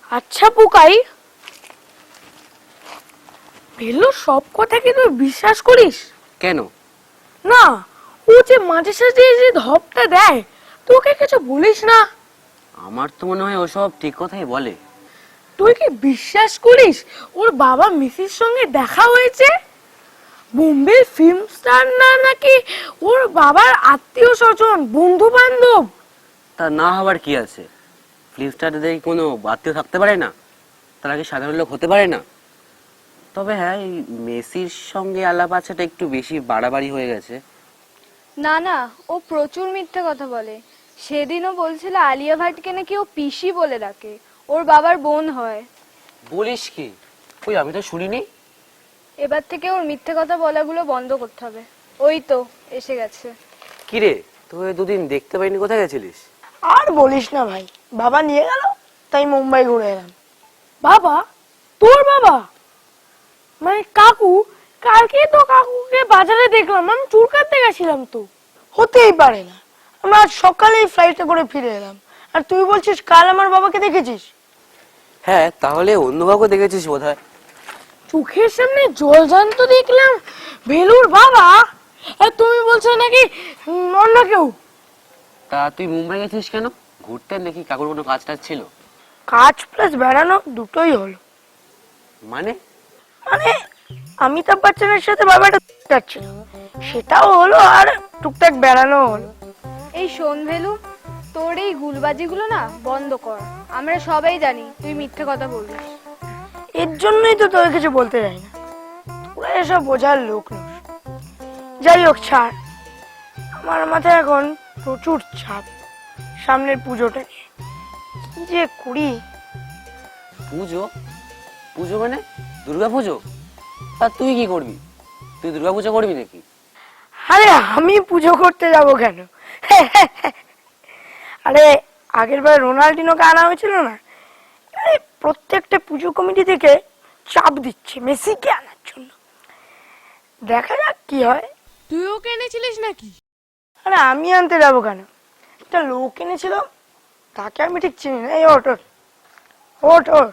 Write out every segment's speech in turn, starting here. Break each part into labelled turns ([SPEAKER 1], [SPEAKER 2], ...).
[SPEAKER 1] আচ্ছা পোকাই, ভেলুর সব কথা কি তুই বিশ্বাস করিস?
[SPEAKER 2] কেন?
[SPEAKER 1] না, ও যে মাঝে সাঝে যে ধপটা দেয়, তোকে কিছু বলিস না?
[SPEAKER 2] আমার তো মনে হয় ওসব ঠিক কথাই বলে।
[SPEAKER 1] তুই কি বিশ্বাস করিস ওর বাবা মিসির সঙ্গে দেখা হয়েছে? বোম্বে ফিল্ম স্টার না নাকি ওর বাবার আত্মীয় স্বজন, বন্ধু বান্ধব?
[SPEAKER 2] তা না হবার কি আছে? ফ্লিপস্টারদের কোনো আত্মীয় থাকতে পারে না? তারা কি সাধারণ লোক হতে পারে না? তবে হ্যাঁ, এই মেসির সঙ্গে আলাপ আছাটা একটু বেশি বাড়াবাড়ি হয়ে গেছে।
[SPEAKER 3] না না, ও প্রচুর মিথ্যে কথা বলে। সেদিনও বলছিল আলিয়া ভাটকে নাকি ও পিসি বলে ডাকে, ওর বাবার বোন হয়।
[SPEAKER 2] বলিস কি? ওই আমি তো শুনিনি।
[SPEAKER 3] এবার থেকে ওর মিথ্যে কথা বলাগুলো বন্ধ করতে হবে। ওই তো এসে গেছে।
[SPEAKER 2] কিরে, তুই দুদিন দেখতে পাইনি, কোথায় গেছিলিস?
[SPEAKER 4] আর বলিস না ভাই, বাবা নিয়ে গেল, তাই মুম্বাই ঘুরে এলাম।
[SPEAKER 1] বাবা? তোর বাবা? মানে কাকু? কালকে তো কাকুকে বাজারে দেখলাম, আমি চুল কাটতে গেছিলাম তো।
[SPEAKER 4] হতেই পারে না, আমরা আজ সকালেই ফ্লাইটে করে ফিরে এলাম, আর তুই বলছিস কাল আমার বাবাকে দেখেছিস?
[SPEAKER 2] হ্যাঁ, তাহলে অন্য কাউকে দেখেছিস বোধহয়।
[SPEAKER 1] চোখের সামনে জলজান্ত দেখলাম ভেলুর বাবা, আর তুমি বলছো নাকি অন্য কেউ?
[SPEAKER 2] তা তুই মুম্বাই গেছিস কেন? ঘুরতে নাকি কাকুর কোনো কাজ টাজ ছিল?
[SPEAKER 4] কাজ প্লাস বেড়ানো দুটোই হলো।
[SPEAKER 2] মানে?
[SPEAKER 4] মানে অমিতাভ বচ্চনের সাথে বাবাটা যাচ্ছিল, সেটাও হলো, আর টুকটাক বেড়ানো হলো।
[SPEAKER 3] এই শোন ভেলু, তোর এই গুলবাজিগুলো না বন্ধ কর। আমরা সবাই জানি তুই মিথ্যে কথা বলিস।
[SPEAKER 4] এর জন্যই তো তোকে কিছু বলতে যাই না, তোরা এসব বোঝার লোক নস। যাই হোক ছাড়, আমার মাথায় এখন প্রচুর চাপ সামনের পুজোটা নিয়ে। কি যে করি।
[SPEAKER 2] পুজো? পুজো মানে দুর্গা পুজো? আর তুই কি করবি? তুই দুর্গা পুজো করবি নাকি?
[SPEAKER 4] আরে আমি পুজো করতে যাব কেন? আরে আগের বার রোনাল্ডিনোকে আনা হয়েছিল না, আরে প্রত্যেকটা পুজো কমিটি থেকে চাপ দিচ্ছে মেসিকে আনার জন্য। দেখা যাক কি হয়।
[SPEAKER 1] তুই ওকে এনেছিলিস নাকি?
[SPEAKER 4] আরে আমি আনতে যাবো কেন, একটা লোক এনেছিল, তাকে আমি ঠিক চিনি না। এই ওট ওট ওট ওট।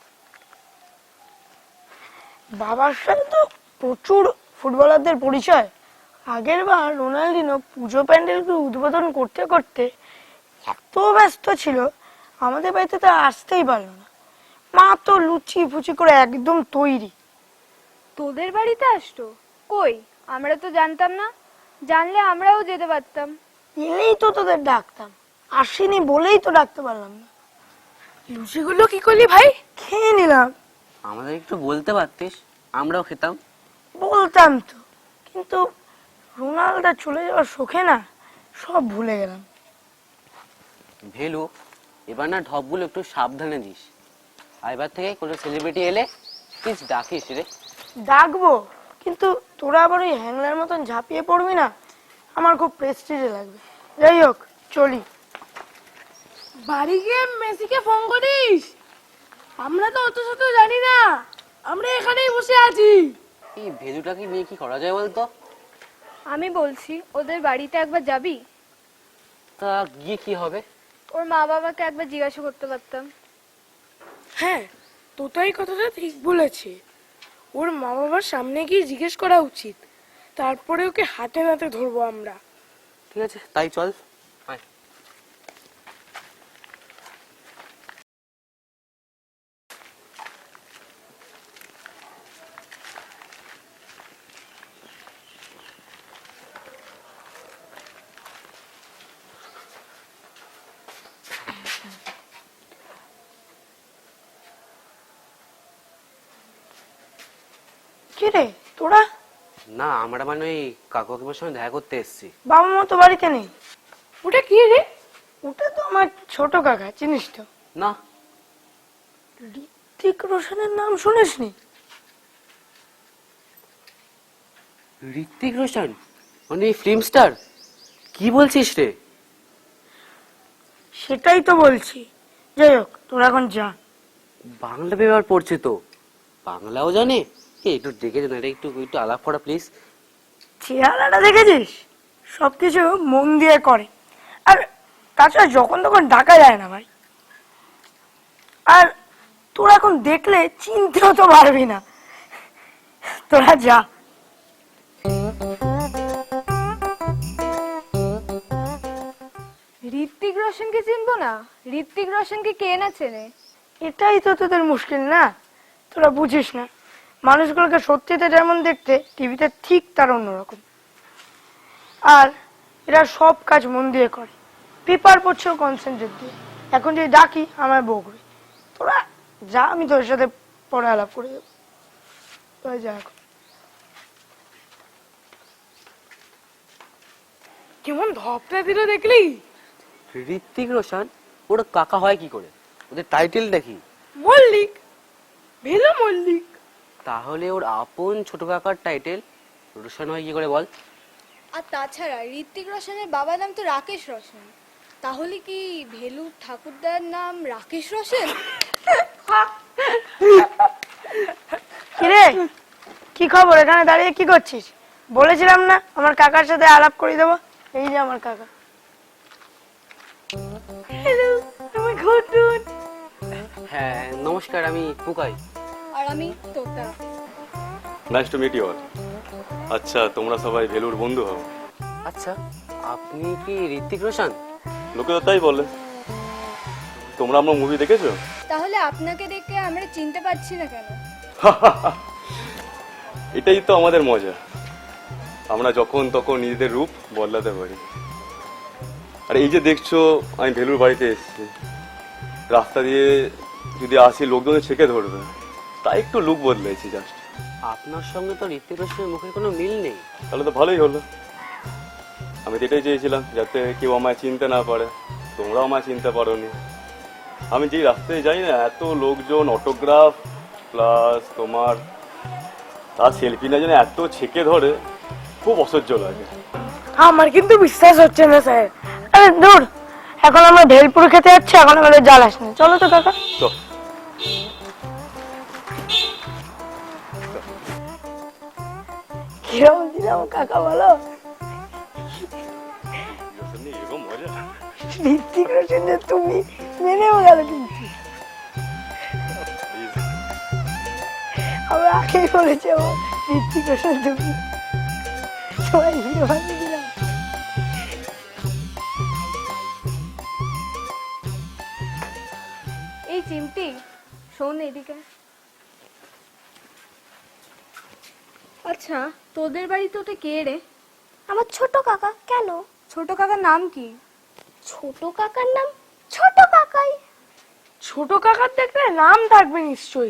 [SPEAKER 4] বাবার সাথে তো প্রচুর ফুটবলারদের পরিচয়। আগের বার রোনাল্ডিনো পুজো প্যান্ডেলকে উদ্বোধন করতে করতে এত ব্যস্ত ছিল, আমাদের বাড়িতে তো আসতেই পারলো না। মা তো লুচি ফুচি করে একদম তৈরি।
[SPEAKER 3] তোদের বাড়িতে আসতো? কই, আমরা তো জানতাম না। জানলে আমরাও যেতে পারতাম।
[SPEAKER 4] এলেই তো তোদের ডাকতাম, আসেনি বলেই তো ডাকতে পারলাম না।
[SPEAKER 1] লুচিগুলো কি করলি ভাই?
[SPEAKER 4] খেয়ে নিলাম।
[SPEAKER 2] আমাদের একটু বলতে পারতিস, আমরাও খেতাম।
[SPEAKER 4] বলতাম তো, কিন্তু রোনাল্ডো চলে যাওয়ার শোকে না সব ভুলে গেলাম।
[SPEAKER 2] ভেলু, এবার না ঢপগুলো একটু সাবধানে দিস। আর এবার থেকে কোনো সেলিব্রিটি এলে প্লিজ ডাকিস রে।
[SPEAKER 4] ডাকবো, কিন্তু তোরা আবার ওই হ্যাংলার মতন ঝাঁপিয়ে পড়বি না, আমার খুব প্রেস্টিজে লাগবে। যাই হোক চলি।
[SPEAKER 1] বাড়ি গিয়ে মেসিকে ফোন করিস? আমরা তো অত শত জানি না, আমরা এখানেই বসে আছি।
[SPEAKER 2] এই ভেলুটাকে নিয়ে কি করা যায় বলতো?
[SPEAKER 3] আমি বলছি ওদের বাড়িতে একবার যাবি?
[SPEAKER 2] তা গিয়ে কি হবে?
[SPEAKER 3] ওর মা বাবাকে একবার জিজ্ঞাসা করতে পারতাম।
[SPEAKER 1] হ্যাঁ, তোতাই কথাটা ঠিক বলেছে। ওর মা বাবার সামনে গিয়ে জিজ্ঞেস করা উচিত, তারপরে ওকে হাতে নাতে ধরবো আমরা।
[SPEAKER 2] ঠিক আছে, তাই চল। আয়।
[SPEAKER 4] কি রে তোরা?
[SPEAKER 2] না, আমরা মানে ওই কাকু কাকিমার সঙ্গে দেখা করতে এসেছি।
[SPEAKER 4] বাবা মা তো বাড়িতে নেই।
[SPEAKER 1] ওটা কি রে?
[SPEAKER 4] ওটা তো আমার ছোট কাকা, চিনিস তো?
[SPEAKER 2] না।
[SPEAKER 4] ঋত্বিক রোশনের নাম শুনিসনি?
[SPEAKER 2] ঋত্বিক রোশন মানে ফিল্ম স্টার? কি বলছিস রে?
[SPEAKER 4] সেটাই তো বলছি। যাই হোক তোরা এখন যা।
[SPEAKER 2] বাংলা পেপার পড়ছে তো, বাংলাও জানে। একটু দেখে না, একটু একটু আলাপ করা প্লিজ।
[SPEAKER 4] চেহারাটা দেখেছিস? সবকিছু মন দিয়ে করে, আর তাছাড়া যখন তখন ডাকা যায় না ভাই। আর তোরা এখন দেখলে চিনতেও তো পারবি না। তোরা যা।
[SPEAKER 3] ঋত্বিক রোশনকে চিনবো না? ঋত্বিক রোশনকে কে না চেনে?
[SPEAKER 4] এটাই তো তোদের মুশকিল না, তোরা বুঝিস না। মানুষগুলোকে সত্যিতে যেমন দেখতে, টিভিতে ঠিক তার অন্যরকম। আর এরা সব কাজ মন দিয়ে করে, পেপার পড়ছেও কনসেন্ট্রেট দিয়ে। এখন যদি ডাকি আমায় বকবে। তোরা যা, আমি তোর সাথে পরে আলাপ করে দেবো। তোরা যা এখন।
[SPEAKER 1] কেমন ধপটা দিল দেখলি?
[SPEAKER 2] ঋত্বিক রোশন ওর কাকা হয় কি করে? ওদের টাইটেলটা কি?
[SPEAKER 1] মল্লিক, ভেলু মল্লিক।
[SPEAKER 2] তাহলে ওর আপন ছোট কাকার টাইটেল রোশন হয় কি করে বল?
[SPEAKER 3] আর তাছাড়া ঋত্বিক রোশনের বাবার নাম তো রাকেশ রোশন, তাহলে কি ভেলু ঠাকুরদার নাম রাকেশ রোশন?
[SPEAKER 4] কিরে, কি খবর? এখানে দাঁড়িয়ে কি করছিস? বলেছিলাম না আমার কাকার সাথে আলাপ করে দেবো। এই যে আমার কাকা। হ্যালো, আমার ঘটুন।
[SPEAKER 2] হ্যাঁ নমস্কার, আমি পুকাই।
[SPEAKER 3] আর আমি Tota.
[SPEAKER 5] Nice to meet you all. আচ্ছা, তোমরা সবাই ভেলুর বন্ধু হও?
[SPEAKER 2] আচ্ছা, আপনি কি ঋত্বিক রোশন?
[SPEAKER 5] লোকে তো তাই বলে। তোমরা আমার মুভি দেখেছো?
[SPEAKER 3] তাহলে আপনাকে দেখে আমরা চিনতে পারছি না কেন?
[SPEAKER 5] এটাই তো আমাদের মজা, আমরা যখন তখন নিজেদের রূপ বদলাতে পারি। আর এই যে দেখছো, আমি ভেলুর বাড়িতে এসেছি, রাস্তা দিয়ে যদি আসি লোকজন ছেঁকে ধরবে, তাই একটু লুক বদলেছি জাস্ট।
[SPEAKER 2] আপনার সঙ্গে তো ঋত্বিক রোশনের মুখের কোনো মিল নেই।
[SPEAKER 5] তাহলে তো ভালোই হলো। আমি তো এটাই চেয়েছিলাম, যাতে কেউ আমায় চিনতে না পারে। তোমরাও আমায় চিনতে পারোনি। আমি যেই রাস্তায় যাই না, এত লোকজন, অটোগ্রাফ প্লাস তোমার তার সেলফি না, যেন এত ছেঁকে ধরে, খুব অসহ্য লাগে।
[SPEAKER 4] আমার কিন্তু বিশ্বাস হচ্ছে না স্যার। আরে দূর, এখন আমরা ভেলপুর খেতে যাচ্ছি, এখন আমাদের জ্বালাস না। চলো তো কাকা।
[SPEAKER 5] তো
[SPEAKER 4] কিরকম দিলাম কাকা, বলো?
[SPEAKER 5] এরকম মজা।
[SPEAKER 4] ঋত্বিক রোশন যে তুমি, মেনেও গেল কিন্তু। আমরা আগেই বলেছি আমার ঋত্বিক রোশন তুমি, সবাই হিরো বানিয়ে দিলাম।
[SPEAKER 3] এই চিমটি, শোন এদিকে। আচ্ছা, তোদের বাড়িতে ওটা কে রে?
[SPEAKER 6] আমার ছোট কাকা। কেন?
[SPEAKER 3] ছোট কাকার নাম কি?
[SPEAKER 6] ছোট কাকার নাম ছোট কাকাই।
[SPEAKER 1] ছোট কাকার দেখলে নাম থাকবে নিশ্চয়ই।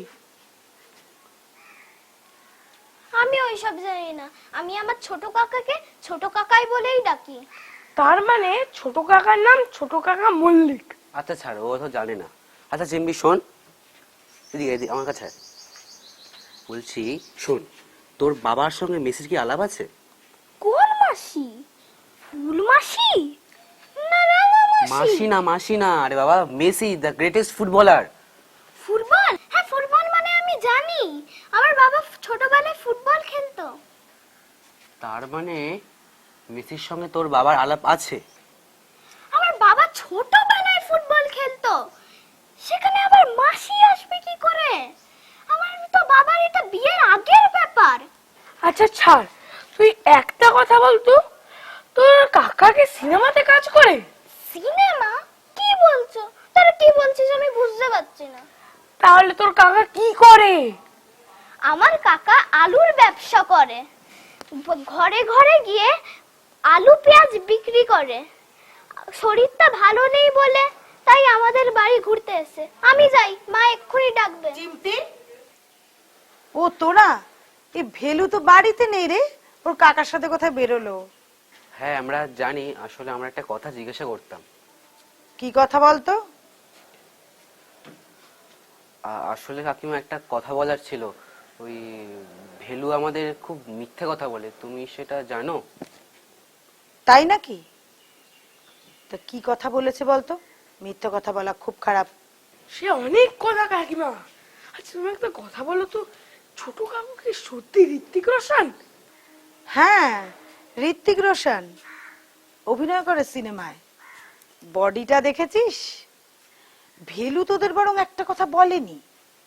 [SPEAKER 6] আমি ওইসব জানি না, আমি আমার ছোট কাকাকে ছোট কাকাই বলেই ডাকি।
[SPEAKER 1] তার মানে ছোট কাকার নাম ছোট কাকা মল্লিক।
[SPEAKER 2] আচ্ছা ছাড়, ও তো জানে না। আচ্ছা চিম্বি শোন, এদিকে এদিকে আমার কাছে আয়। বলছি শোন, তোর বাবার সঙ্গে মেসির কি আলাপ আছে?
[SPEAKER 6] কোন মাসি? ফুল মাসি? না না না,
[SPEAKER 2] মাসি না, মাসি না, আরে বাবা, Messi the greatest footballer.
[SPEAKER 6] Football? হ্যাঁ, ফুটবল মানে আমি জানি। আমার বাবা ছোটবেলায় ফুটবল খেলতো।
[SPEAKER 2] তার মানে মেসির সঙ্গে তোর বাবার আলাপ আছে?
[SPEAKER 6] আমার বাবা ছোটবেলায় ফুটবল খেলতো, সেখানে আবার মাসি আসবে কি করে? আমার তো বাবার এটা বিয়ের আগের ব্যাপার।
[SPEAKER 1] আচ্ছা ছাড়, তুই একটা কথা বলতো, তোর কাকাকে সিনেমাতে কাজ করে?
[SPEAKER 6] সিনেমা? কি বলছো? তারা কি বলছিস আমি বুঝতে পারছি না।
[SPEAKER 1] তাহলে তোর কাকা কি করে?
[SPEAKER 6] আমার কাকা আলুর ব্যবসা করে, ঘরে ঘরে গিয়ে আলু পেঁয়াজ বিক্রি করে। শরীরটা ভালো নেই বলে তাই আমাদের বাড়ি ঘুরতে এসে। আমি যাই, মা এক্ষুনি ডাকবে।
[SPEAKER 7] চিমটি, ও তোরা, এই ভেলু তো বাড়িতে নেই রে, ওর কাকার সাথে কোথায় বেরোলো?
[SPEAKER 2] হ্যাঁ আমরা জানি, আসলে আমরা একটা কথা জিজ্ঞাসা করতাম।
[SPEAKER 7] কি কথা বলতো?
[SPEAKER 2] আসলে কাকিমা একটা কথা বলার ছিল। ওই ভেলু আমাদের খুব মিথ্যে কথা বলে, তুমি সেটা জানো?
[SPEAKER 7] তাই নাকি? তা কি কথা বলেছে বলতো? মিথ্যে কথা বলা খুব খারাপ।
[SPEAKER 1] সে অনেক কথা কাকিমা। আচ্ছা তুমি একটা কথা বলো তো, ছোট কাকু কি সত্যি ঋত্বিক রোশন?
[SPEAKER 7] হ্যাঁ, ঋত্বিক রোশন অভিনয় করে সিনেমায়। বডিটা দেখেছিস? ভেলু তোদের বরং একটা কথা বলেনি।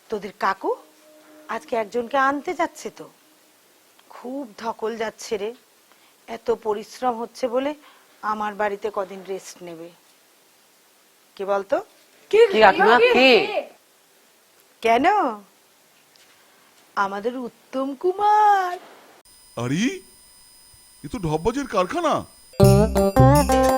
[SPEAKER 7] তোদের কাকু আজকে একজনকে আনতে যাচ্ছে তো, খুব ধকল যাচ্ছে রে। এত পরিশ্রম হচ্ছে বলে আমার বাড়িতে কদিন রেস্ট নেবে। কি বলতো?
[SPEAKER 2] কি কাকিমা কি?
[SPEAKER 7] কেন? আমাদের উত্তম কুমার।
[SPEAKER 8] আরে এ তো ঢপবাজের কারখানা।